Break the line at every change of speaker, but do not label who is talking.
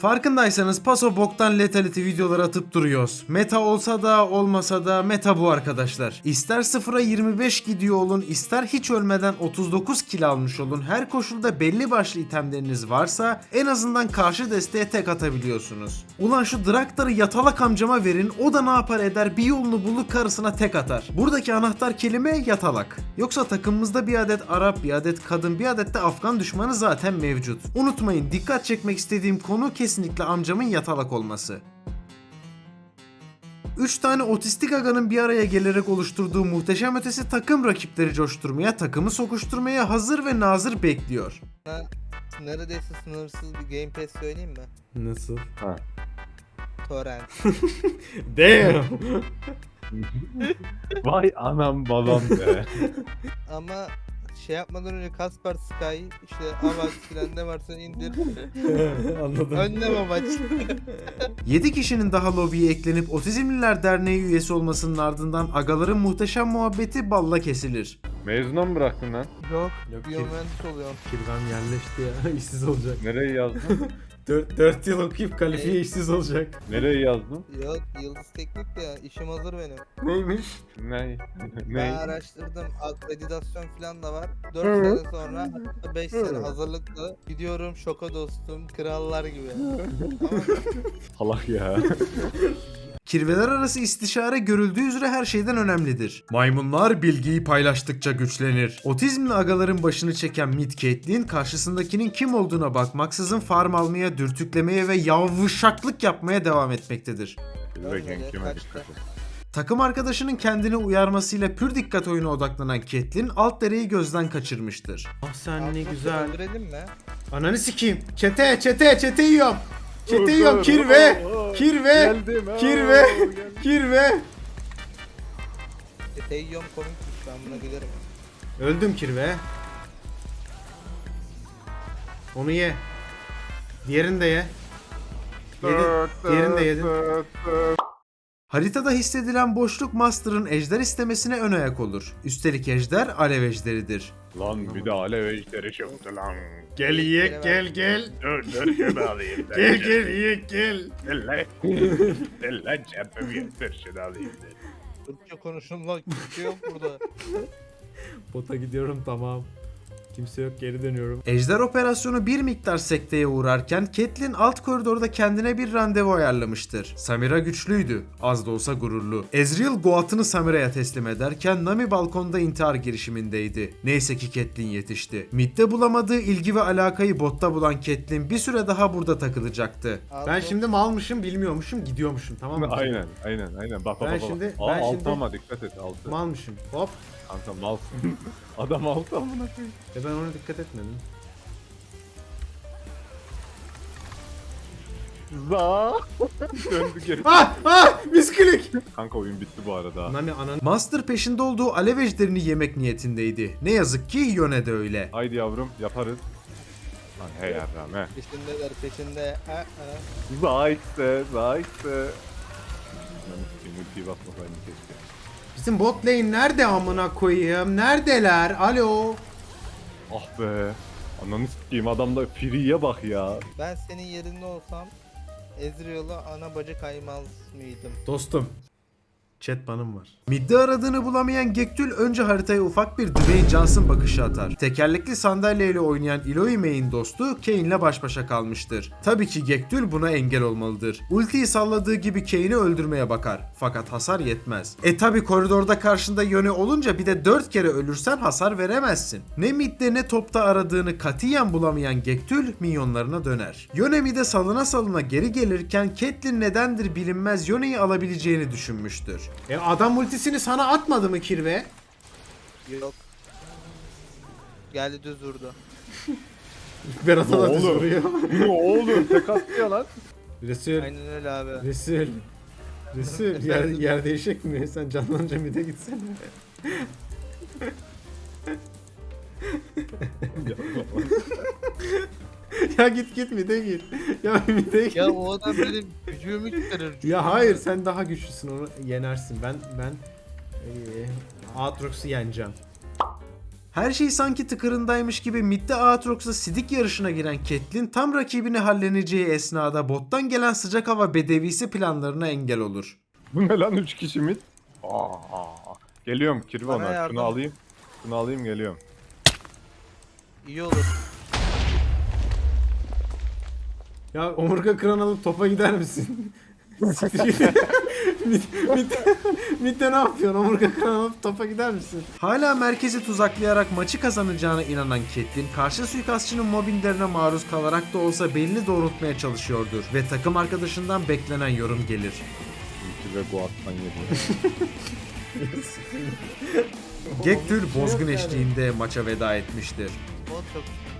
Farkındaysanız paso boktan letality videoları atıp duruyoruz. Meta olsa da olmasa da meta bu arkadaşlar. İster 0'a 25 gidiyor olun, ister hiç ölmeden 39 kill almış olun. Her koşulda belli başlı itemleriniz varsa en azından karşı desteğe tek atabiliyorsunuz. Ulan şu Draktar'ı yatalak amcama verin, o da ne yapar eder, bir yolunu bulur karısına tek atar. Buradaki anahtar kelime yatalak. Yoksa takımımızda bir adet Arap, bir adet kadın, bir adet de Afgan düşmanı zaten mevcut. Unutmayın, dikkat çekmek istediğim konu kesinlikle amcamın yatalak olması. 3 tane otistik aganın bir araya gelerek oluşturduğu muhteşem ötesi takım rakipleri coşturmaya, takımı sokuşturmaya hazır ve nazır bekliyor.
Neredeyse sınırsız bir Game Pass söyleyeyim mi?
Nasıl?
Ha.
Torrent.
Damn!
Vay anam babam be.
Ama şey yapmadan önce Kasper Sky, işte Avax filan ne varsa indir.
Anladım.
Önlem amaç.
7 kişinin daha lobiye eklenip Otizmliler Derneği üyesi olmasının ardından agaların muhteşem muhabbeti balla kesilir.
Mezuna mı bıraktın lan?
Yok,
Yok,
biyomühendis oluyorum.
Kirvan yerleşti ya, işsiz olacak.
Nereye yazdın?
4 yıl okuyup kalifiye işsiz olacak.
Nereye yazdın?
Yok, Yıldız Teknik de ya, işim hazır benim.
Neymiş?
Ne?
Ben
Ne?
araştırdım, akreditasyon falan da var. 4 sene sonra, hatta 5 sene hazırlıklı. Gidiyorum şoka dostum, krallar gibi. Tamam.
Salak ya.
Kirveler arası istişare görüldüğü üzere her şeyden önemlidir. Maymunlar bilgiyi paylaştıkça güçlenir. Otizmli agaların başını çeken Mid Caitlyn karşısındakinin kim olduğuna bakmaksızın farm almaya, dürtüklemeye ve yavşaklık yapmaya devam etmektedir.
Bilirken kime
kaçtı.
dikkat et.
Takım arkadaşının kendini uyarmasıyla pür dikkat oyuna odaklanan Caitlyn alt dereyi gözden kaçırmıştır. Ah sen ne güzel.
Öldürelim mi?
Ananı sikeyim. Çete yiyorum. Çete yiyorum. Kirve.
Geldim.
Kirve.
Teyyom komikmiş, ben buna gülerim.
Öldüm Kirve. Onu ye. Diğerini de ye. Yedin. Diğerini de yedin. Haritada hissedilen boşluk Master'ın ejder istemesine ön ayak olur. Üstelik ejder alev ejderidir.
Lan bir de alev ejderi çıktı lan.
Gel yiyek gel.
Dur şunu alayım.
Gel yiyek gel.
Gel lan. Gel lan cebimi yeter şunu alayım.
Türkçe konuşun lan, kimse yok burada.
Bota gidiyorum tamam. Kimse yok, geri dönüyorum. Ejder operasyonu bir miktar sekteye uğrarken Caitlyn alt koridorda kendine bir randevu ayarlamıştır. Samira güçlüydü, az da olsa gururlu. Ezreal Goat'ını Samira'ya teslim ederken Nami balkonda intihar girişimindeydi. Neyse ki Caitlyn yetişti. Mid'de bulamadığı ilgi ve alakayı botta bulan Caitlyn bir süre daha burada takılacaktı. Ben şimdi malmışım, bilmiyormuşum, gidiyormuşum, tamam mı?
Aynen. Bak
Ben
bak.
şimdi-
Aa,
ben
altı
şimdi-
ama dikkat et altı.
Malmışım. Hop.
Kanka malsın. Adam altı amına koyayım.
Ben ona dikkat etmedim.
Za. Döndü geri.
Misklik.
Kanka oyun bitti bu arada.
Nami anan. Master peşinde olduğu alev ejderini yemek niyetindeydi. Ne yazık ki Yone de öyle.
Haydi yavrum yaparız. Lan hey yarram he.
Peşindeler, peşinde.
Zaytse. Multiyi basmasaydım keşke.
Bizim bot lane nerede amına koyayım? Neredeler? Alo.
Ah be. Ananı s**eyim adamda free'ye bak ya.
Ben senin yerinde olsam Ezreal'a ana bacı kaymaz mıydım?
Dostum. Chat banım var. Midde aradığını bulamayan Gektül önce haritaya ufak bir Dwayne Johnson bakışı atar. Tekerlekli sandalyeyle oynayan Eloy May'in dostu Kane'le baş başa kalmıştır. Tabii ki Gektül buna engel olmalıdır. Ultiyi salladığı gibi Kane'i öldürmeye bakar. Fakat hasar yetmez. Tabii koridorda karşında Yone olunca bir de 4 kere ölürsen hasar veremezsin. Ne midde ne topta aradığını katiyen bulamayan Gektül minyonlarına döner. Yone midde salına geri gelirken Caitlyn nedendir bilinmez Yone'yi alabileceğini düşünmüştür. Adam ultisini sana atmadı mı Kirve?
Yok. Geldi düz vurdu.
Berat'a da düz
Oğlum.
vuruyor.
Ne oğlum tek atıyor lan.
Resul.
Aynen öyle abi.
Resul. Yer değişecek mi? Sen canlanınca mide gitsene. Ya git mide gir. Ya mide gir.
Ya o adam benim gücümü çıkarır.
Ya hayır, sen daha güçlüsün, onu yenersin. Ben Aatrox'u yeneceğim. Her şey sanki tıkırındaymış gibi midde Aatrox'la sidik yarışına giren Catelyn tam rakibini halleneceği esnada bottan gelen sıcak hava bedevisi planlarına engel olur.
Bu ne lan 3 kişi mid? Geliyorum
Bana
Kirvana
yardım.
şunu alayım. Şunu alayım geliyorum.
İyi olur.
Ya omurga kıran alıp topa gider misin? Siktir git. Midde ne yapıyorsun? Omurga kıran alıp topa gider misin? Hala merkezi tuzaklayarak maçı kazanacağına inanan Catelyn, karşı suikastçının mobbinglerine maruz kalarak da olsa belini doğrultmaya çalışıyordur ve takım arkadaşından beklenen yorum gelir.
Ulti ve Guard'dan yedi.
Gektul bozgun eşliğinde maça veda etmiştir.
O çok